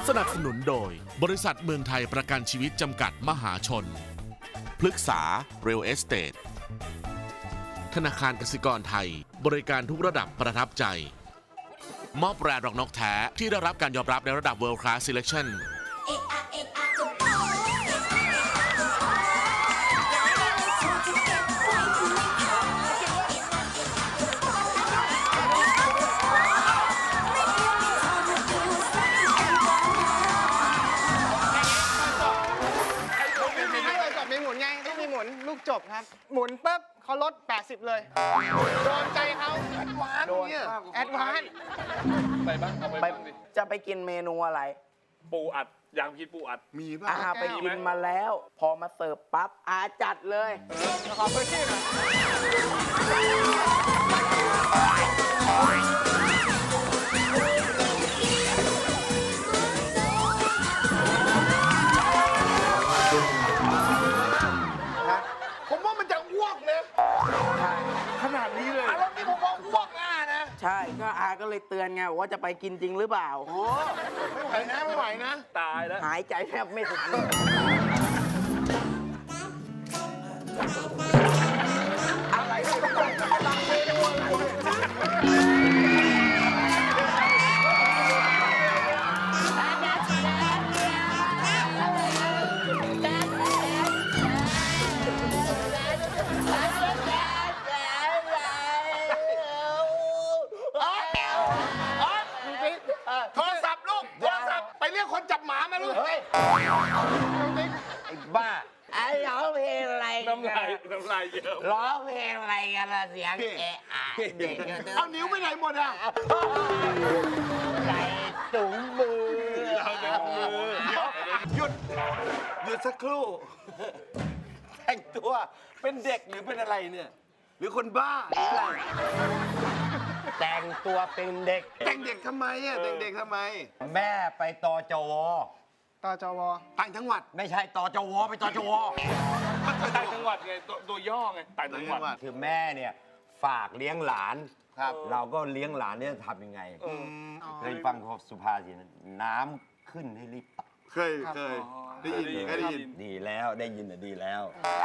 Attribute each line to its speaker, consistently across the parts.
Speaker 1: สนับสนุนโดยบริษัทเมืองไทยประกันชีวิตจำกัดมหาชนพฤกษา Real Estate ธนาคารกสิกรไทยบริการทุกระดับประทับใจมอบแบรนด์ดอกนกแท้ที่ได้รับการยอมรับในระดับ World Class Selection
Speaker 2: ลูกจบครับหมุนปุ๊บเขาลด80เลยโดนใจเขาแอดวานซ์เนี่ยแอดวานซ์
Speaker 3: ไปบ้างเอาไปบ้างดิ
Speaker 4: จะไปกินเมนูอะไร
Speaker 3: ปูอัดอยากกินปูอัดมีป่ะ
Speaker 4: ไปกินมาแล้ว พอมาเสิร์ฟปั๊บจัดเลย
Speaker 2: ขอพื้นที่หน่อยผมว่ามันจะอ้วกนะขนาดนี้เลยแล้วนี่ผมว่าอ้วกนะ
Speaker 4: ใช่ก็ก็เลยเตือนไงว่าจะไปกินจริงหรือเปล่า
Speaker 2: โอ้ไม่ไหวนะไม่ไหวนะ
Speaker 3: ตายแล้ว
Speaker 4: หายใจแทบไม่ถึงอะไร
Speaker 2: โทรศัพท์ลูกโทรศัพท์ไปเรียกคนจับหมามาลูกเฮ้ย
Speaker 4: ไอ้บ้าร้องเพลงอะไร
Speaker 3: น้ำลายเยอะ
Speaker 4: ร้องเพลงอะไรกันล่ะเสียงเด็ก
Speaker 2: เอานิ้วไปไหนหมดอ่ะ
Speaker 4: ใส่ถุงมือ
Speaker 2: หยุดสักครู่แต่งตัวเป็นเด็กหรือเป็นอะไรเนี่ยหรือคนบ้าหรืออะไร
Speaker 4: แต่งตัวเป็นเด็ก
Speaker 2: แต่งเด็กทำไมอ่ะแต่งเด็กทำไม
Speaker 4: แม่ไปตจว
Speaker 2: ต่างจังหวัด
Speaker 4: ไม่ใช่ตจวไปตจว
Speaker 3: ต่างจังหวัดไงตัวย่อไงต่างจังหวัด
Speaker 4: คือแม่เนี่ยฝากเลี้ยงหลาน
Speaker 2: ครับ
Speaker 4: เราก็เลี้ยงหลานเนี่ยทำยังไงเคยฟังสุภาษิตน้ำขึ้นให้รีบตัก
Speaker 2: เคยได้ยิน
Speaker 4: ดีแล้วได้ยินดีแล้ว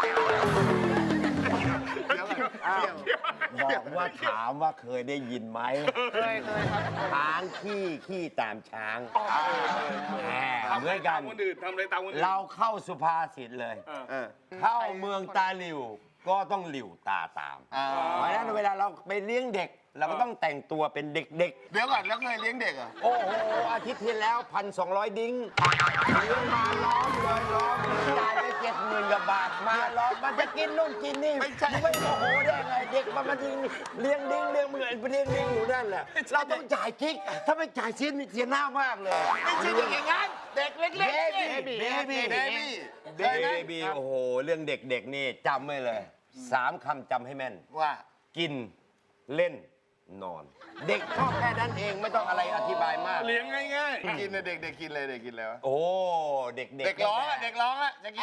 Speaker 4: บอกว่าถามว่าเคยได้ยินไหม
Speaker 2: เคยครับ
Speaker 4: ช้างขี้ตามช้างเหมือนกัน
Speaker 3: ทำอะไรตามคนอื่น
Speaker 4: เราเข้าสุภาษิตเลยเข้าเมืองตาหลิวก็ต้องหลิวตาตามเพราะฉะนั้นเวลาเราไปเลี้ยงเด็กเราก็ต้องแต่งตัวเป็นเด็ก
Speaker 2: เดี๋ยวก่อนแล้วเคยเลี้ยงเด็กอ่ะ
Speaker 4: โอ้โหอาทิตย์ที่แล้ว1,200 ดิ้งเลี้ยงมาล้อมเลยจ่ายไป70,000 กว่าบาทมาล้อมมันจะกินนู่นกินนี่ไม่โอ้โหได้ไงเด็กมันเลี้ยงดิ้งเลี้ยงเหมือนเลี้ยงดิ้งอยู่นั่นแหละเราต้องจ่ายกิ๊กถ้าไม่จ่ายเสียหน้ามากเลย
Speaker 2: ไม่ใช่อย่างนั้นเด็กเล็กๆ
Speaker 4: เบบี้โอ้โหเรื่องเด็กๆนี่จำไว้เลย3 คำจำให้แม่น
Speaker 2: ว่า
Speaker 4: กินเล่นนอนเด็กชอบแค่นั้นเองไม่ต้องอะไรอธิบายมาก
Speaker 3: เลี้ยงง่าย
Speaker 2: ๆกินเด็กกินเลยเด็กกินแล้ว
Speaker 4: โอ้เด็ก
Speaker 2: ร้องอ่ะจะกิน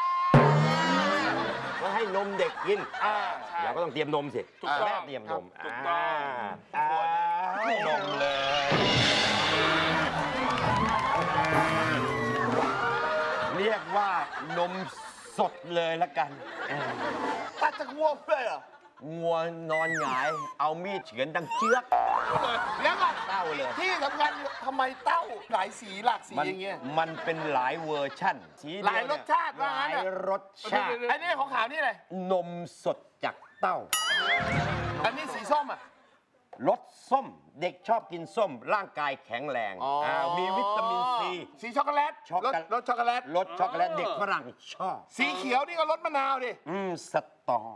Speaker 4: ก็ให้นมเด็กกินเราก็ต้องเตรียมนมสิแม่เตรียมนม
Speaker 3: ถูกต้อง
Speaker 4: นมเลยเรียกว่านมสดเลยละกัน
Speaker 2: ตัดจากวัวเลยเหรอ
Speaker 4: งัวนอนหงายเอามีดเฉือนดังเชือก
Speaker 2: แล้วก็
Speaker 4: เต้าเลย
Speaker 2: ที่สำคัญทำไมเต้าหลายสีหลากสีอย่างเงี้ย
Speaker 4: มันเป็นหลายเวอร์ชั่น
Speaker 2: หลายรสชาติว่างั้น
Speaker 4: หลายรสชาติ
Speaker 2: อันนี้ของขาวนี่เลย
Speaker 4: นมสดจากเต้า
Speaker 2: อันนี้สีส้มอ่ะ
Speaker 4: รสส้มเด็กชอบกินส้มร่างกายแข็งแรงมีวิตามินซี
Speaker 2: สีช็อกโกแลตรสช็อกโกแลต
Speaker 4: เด็กฝรั่งชอบ
Speaker 2: สีเขียวนี่ก็รสมะนาวดิ
Speaker 4: สตอ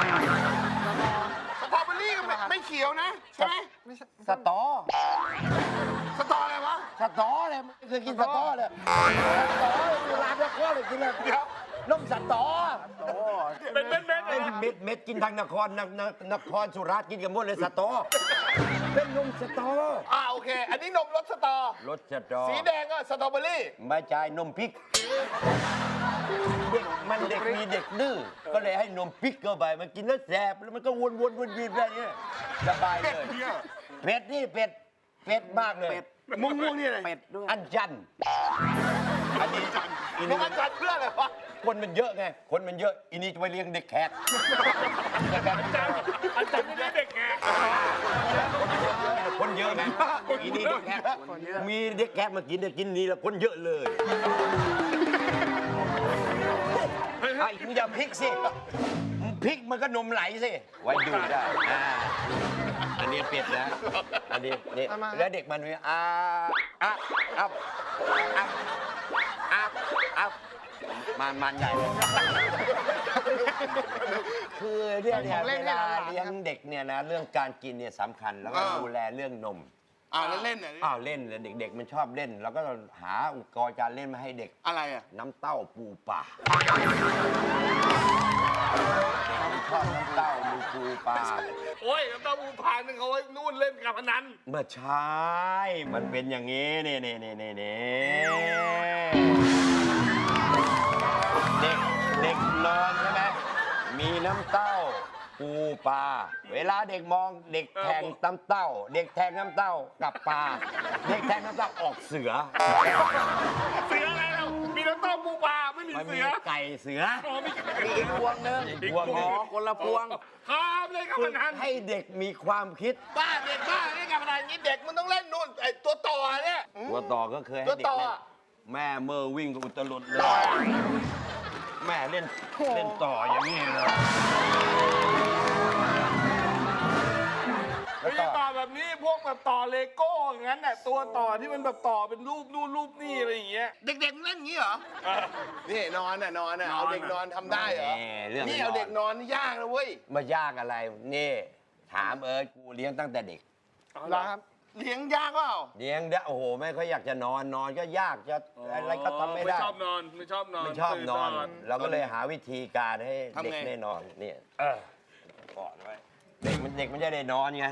Speaker 2: สตรอเบอรี่ก็ไม่เขียวนะใช่ไหม
Speaker 4: สตอ
Speaker 2: อะไรวะ
Speaker 4: สตอเลยเคยกินสตอเลยร้านละข้อเลยกินเลยนมสตอ
Speaker 3: เป็นเ
Speaker 4: ม็ดกินทางนครสุราษฎร์กินกันหมดเลยสตอเป็นนมสตอ
Speaker 2: โอเคอันนี้นมรสสตอสีแดงก็สตรอเบอรี่
Speaker 4: ไม่ใช่นมพริกเด็กมีเด็กดื้อก็เลยให้นมพริกเข้าไปมันกินแล้วแสบแล้วมันก็วนๆแบบนี้สบายเลยเป็ดนี่เป็ดเป็ดมากเลย
Speaker 2: ม่วงนี่เลย
Speaker 5: เป็ดด้วย
Speaker 4: อันจันอันนี้อี
Speaker 2: ม่ว
Speaker 4: นี่
Speaker 2: งอันจันเพื่ออะไรวะ
Speaker 4: คนมันเยอะไงคนมันเยอะอีนี่จะไปเลี้ยงเด็กแขก
Speaker 3: อาจารย์ไม่ได้เด็กไง
Speaker 4: คนเยอะไงอีนี่เด็กแขกมีเด็กแขกมากินกินนี่แล้วคนเยอะเลยไอ้มึงอย่าพลิกสิพลิกมันก็นมไหลสิไว้ดูได้อันนี้เป็ดนะอันนี้นี่แล้วเด็กมันมีมันใหญ่เลยคือเนี่ยเวลาเลี้ยงเด็กเนี่ยนะเรื่องการกินเนี่ยสำคัญแล้วก็ดูแลเรื่องนม
Speaker 2: แล้วเล่นเนี่ย
Speaker 4: เล่นเลยเด็กๆมันชอบเล่นเราก็หาอุปกรณ์การเล่นมาให้เด็ก
Speaker 2: อะไรอ่ะ
Speaker 4: น้ำเต้าปูป่าชอบน้ำเต้ามีปูป่า
Speaker 3: โอ้ยน้ำเต้าหู้พานนึงเขาไว้นู่นเล่นการพนัน
Speaker 4: เมื่อใช่มันเป็นอย่างนี้นี่เด็กนอนใช่ไหมมีน้ำเต้าปูปลาเวลาเด็กมองเด็กแทงน้ำเต้า เด็กแทงน้ำเต้ากับปลาเด็กแทงน้ำเต้าออกเสือ
Speaker 3: เสืออะไรเรามีน้ำเต้าปูปลาไม่มี
Speaker 4: มัน
Speaker 3: เสื
Speaker 4: มี
Speaker 3: อ
Speaker 4: ไก่เสือ
Speaker 5: มีอีกพวงหนึง
Speaker 4: อีกพวงหนึ่ง
Speaker 5: คนละพวง
Speaker 3: ข้ามเลยการพนัน
Speaker 4: ให้เด็กมีความคิด
Speaker 2: บ้าเด็กบ้าเล่นการพนันนี้เด็กมันต้องเล่นนู่นไอ้ตัวต่อเนี่ย
Speaker 4: ตัวต่อก็เคยให้
Speaker 2: ตัว
Speaker 4: เด็ก
Speaker 2: ต่อ
Speaker 4: เล่น
Speaker 2: อะ
Speaker 4: แม่เมื่อวิ่งก็อุตลุดเลย แม่เล่นต่ออย่างนี้เลย
Speaker 3: ไม่ใช่ต่อแบบนี้พวกแบบต่อเลโก้อย่างนั้นน่ะตัวต่อที่มันแบบต่อเป็นรูปนู่นรูปนี่อะไรอย่างเงี้ย
Speaker 2: เด็กๆมันเล่นงี้เหรอ นี่นอนเอาเด็กนอนทำได้เหรอ
Speaker 4: เรื่อง
Speaker 2: นี่เอาเด็กนอนนี่ยากนะเว้ย
Speaker 4: มายากอะไรนี่ถามกูเลี้ยงตั้งแต่เด็ก
Speaker 2: เหรอครับ เลี้ยงยากเปล่า
Speaker 4: เลี้ยงได้โอ้โหแม่เขาอยากจะนอนก็ยากจะอะไรก็ทำไม่ได้
Speaker 3: ไม่ชอบนอนไม่ชอบนอน
Speaker 4: ไม่ชอบนอน
Speaker 3: ตื่
Speaker 4: เราก็เลยหาวิธีการให้
Speaker 2: ทำไง
Speaker 4: เด็กได้นอนเนี่ยกอดไว้เด็กมันจะได้นอนไง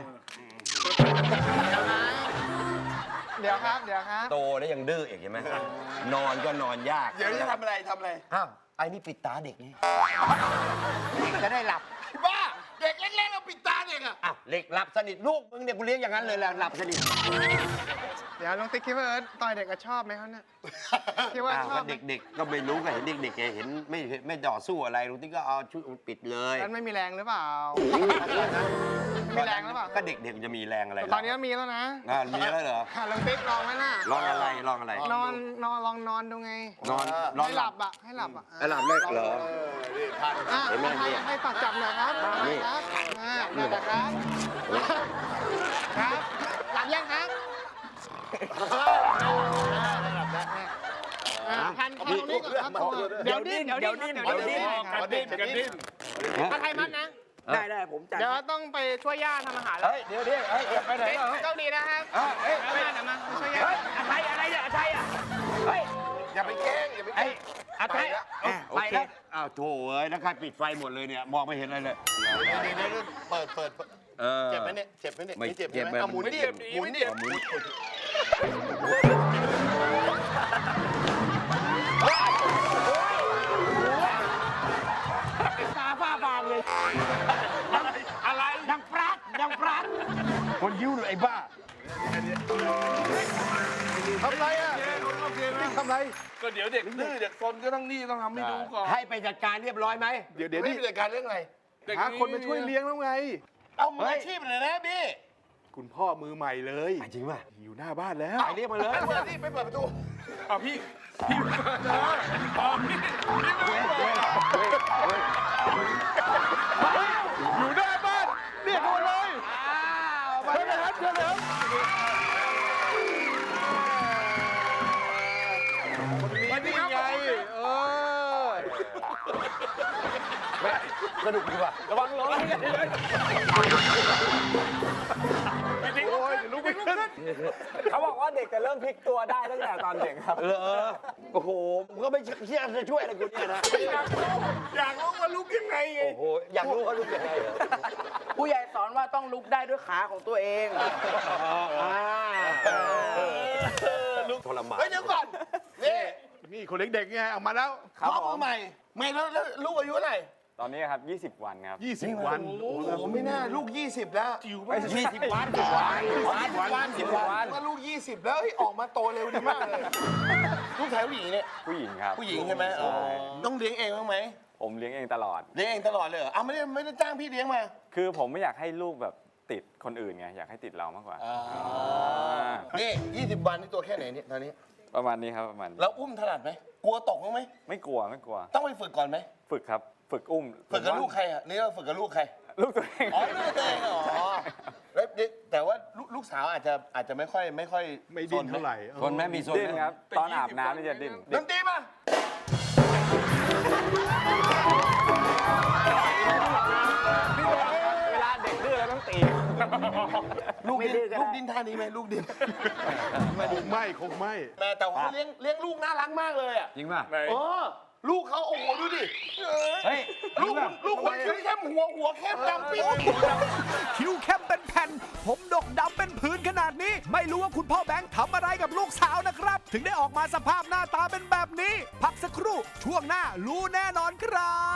Speaker 2: เดี๋ยวครับ
Speaker 4: โตแล้วยังดื้ออีกใช่ไหมนอนก็นอนยาก
Speaker 2: เดี๋ยวจะทำอะไร
Speaker 4: อ้าวไอ้นี่ปิดตาเด็กนี่จะได้หลับ
Speaker 2: บ้า เด็กเล็กๆเราปิดตาเด็กอะ
Speaker 4: อ้าวเด็กหลับสนิทลูกมึงเนี่ยกูเลี้ยงอย่างนั้นเลยแหละหลับสนิท
Speaker 2: เดี๋ยวลุงติ๊กคิดว่าต่อยเด็กก็ชอบไหมเขาเนี่ยคิดว่าชอบ
Speaker 4: ก็เด็กๆก็ไม่รู้ก็เห็นเด็กๆเห็นไม่ต่อสู้อะไรลุงติ๊กก็เอาชุดปิดเลย
Speaker 2: นั้นไม่มีแรงหรือเปล่า มีแรงหรือเปล่า
Speaker 4: ก็เด็กๆจะมีแรงอะไร
Speaker 2: ตอนนี้มีแล้วนะ
Speaker 4: มีแล้วเหรอ
Speaker 2: ลุงติ๊กลองไหมล่ะ
Speaker 4: ลองอะไรลองอะไร
Speaker 2: ลองนอนดูไง
Speaker 4: นอน
Speaker 2: ให้หลับอะให้หลับอะ
Speaker 4: หลับเลยเหรอ
Speaker 2: เห็นไหมให้ฝากจับหน่อยครับ
Speaker 4: นี่
Speaker 2: ครับนั่นแหละครับ ครับ หลับยังครับพันตรงนี้ก่อนครับเดี๋ยวดิ้น
Speaker 3: กระดิ้นกระดิ้น
Speaker 2: ถ้าใครมัดนะ
Speaker 5: ได้ผมจัด
Speaker 2: เดี๋ยวต้องไปช่วยย่าทำอาหารแล้ว
Speaker 4: เฮ้ยเดี๋ยวไปไหนเหรอ
Speaker 2: เจ้าดีนะครับ
Speaker 4: เฮ้ย
Speaker 2: เดี๋ยวมาช่วยย่า
Speaker 5: อะไรเนี่ยอะไรอ่ะเฮ้ย
Speaker 2: อย่าไปแกล้งอย่าไปแกล้ง
Speaker 4: อะไรไปแล้วอ้าวโถเอ้ยแล้วใครปิดไฟหมดเลยเนี่ยมองไม่เห็นอะไรเลย
Speaker 2: เดี๋ยวเปิดเจ็บไหมเนี่ยเจ็บไหมเนี่ย
Speaker 4: ไม่
Speaker 2: เจ็บ
Speaker 4: เจ็บ
Speaker 2: ไหม
Speaker 4: ไม่
Speaker 2: เอาหมุนดิหมุนดิ
Speaker 4: หมุน
Speaker 5: ตาฝ้าฟางเลย
Speaker 3: อะไร
Speaker 5: ดังปราดดังปราด
Speaker 4: คนยิ้วเลยไอ้บ้า
Speaker 2: ทำไรอ่ะ
Speaker 3: โอเคนะ
Speaker 2: ทำไร
Speaker 3: ก็เดี๋ยวเด็กดื้อเด็กซนก็ต้องนี่ต้องทำให้ดูก่อน
Speaker 4: ให้ไปจัดการเรียบร้อยไหม
Speaker 2: เดี๋ยวนี่จัดการเรื่องอะไร
Speaker 3: หาคนมาช่วยเลี้ยง
Speaker 2: เอามืออาชีพเลยนะพี่
Speaker 6: คุณพ่อมือใหม่เลย
Speaker 4: จริงป่ะ
Speaker 6: อยู่หน้าบ้านแล้ว
Speaker 4: ไปเรียกมาเลย
Speaker 2: เปิดที่ไปเปิดประตู
Speaker 3: อ่ะพี่
Speaker 6: อยู่หน้าบ้านเรียกมาเลยเชิญเลยครับเชิญเลยครับ
Speaker 3: วันนี้ไง
Speaker 4: สนุกดีว่ะ
Speaker 3: ระวังร้อนพี่โอ้ยลุกไม่ขึ้น
Speaker 5: เขาบอกว่าเด็กจะเริ่มพลิกตัวได้ตั้งแต่ตอนเด็กครับ
Speaker 4: โอ้โหมึงก็ไม่เชื่อจะช่วยอะไรกูเนี่ยนะ
Speaker 3: อยากรู้ว่าลุกยังไงไง
Speaker 4: โอ้โหอยากรู้ว่าลูกยังไงเหรอ
Speaker 5: ผู้ใหญ่สอนว่าต้องลุกได้ด้วยขาของตัวเอง
Speaker 4: ลูกทรมาน
Speaker 2: เฮ้ยเดี๋ยวก่อน นี่
Speaker 6: นี่คนเด็กๆไงเอามาแล้ว
Speaker 2: พ่อมือใหม่ไม่แล้วลูกอายุเท่าไหร่
Speaker 5: ตอนนี้ครับ 20 วันครับ
Speaker 6: 20 วัน
Speaker 3: โอ้โหไม่น่าลูก 20 แล้วจิ๋วมาก
Speaker 4: 20 วัน10 วัน
Speaker 3: ว่าลูก 20 แล้วเฮ้ยออกมาโตเร็วดีมากเลย ลูกชายผู้หญิงเนี่ย
Speaker 5: ผู้หญิงครับ
Speaker 3: ผู้หญิงใช่ไหมอ๋อต้องเลี้ยงเองบ้างไหม
Speaker 5: ผมเลี้ยงเองตลอด
Speaker 3: เลี้ยงเองตลอดเลยเหรออ้าวไม่ได้จ้างพี่เลี้ยงมา
Speaker 5: คือผมไม่อยากให้ลูกแบบติดคนอื่นไง อยากให้ติดเรามากกว่า
Speaker 3: นี่ 20 วันนี่ตัวแค่ไหนเนี่ยตอนนี้
Speaker 5: ประมาณนี้ครับประมาณนี้
Speaker 3: แล้วอุ้มถนัดไหมกลัวตกบ้างไหม
Speaker 5: ไม่กลัวไม่กลัว
Speaker 3: ต้องไปฝึกก่อนไหม
Speaker 5: ฝึกครับ ฝึกอุ้ม
Speaker 3: ฝึกกับลูกใครอ่ะนี่เราฝึกกับลูกใคร
Speaker 5: ลูกตัวเอง
Speaker 3: อ๋อลูกตัวเองเหรอแล้วแต่ว่าลูกสาวอาจจะไม่ค่อย
Speaker 6: ไม่ดิ้นเท่าไหร่
Speaker 4: คนแม่มีโซน
Speaker 5: ดิ้นครับ ตอนอาบน้ำนี่จะดิ้น
Speaker 3: ดนตรีมา
Speaker 5: เวลาเด็กดื้อเราต้องตี
Speaker 3: ลูกดินท่านี้ไหมลูกดิน
Speaker 6: คงไม่
Speaker 3: แม่แต่ว่าเขาเลี้ยงลูกน่ารักมากเลยอ่ะ
Speaker 4: จริงป่ะ
Speaker 3: เออลูกเขาโอ้โหดูดิ
Speaker 4: เฮ้ย
Speaker 3: ลูกคนคิ้วเข้มหัวเข้มดำปี๊ด
Speaker 7: คิ้วเข้มเป็นแผ่น ผมดกดำเป็นพื้นขนาดนี้ ไม่รู้ว่าคุณพ่อแบงค์ทำอะไรกับลูกสาวนะครับ ถึงได้ออกมาสภาพหน้าตาเป็นแบบนี้ พักสักครู่ช่วงหน้ารู้แน่นอนครับ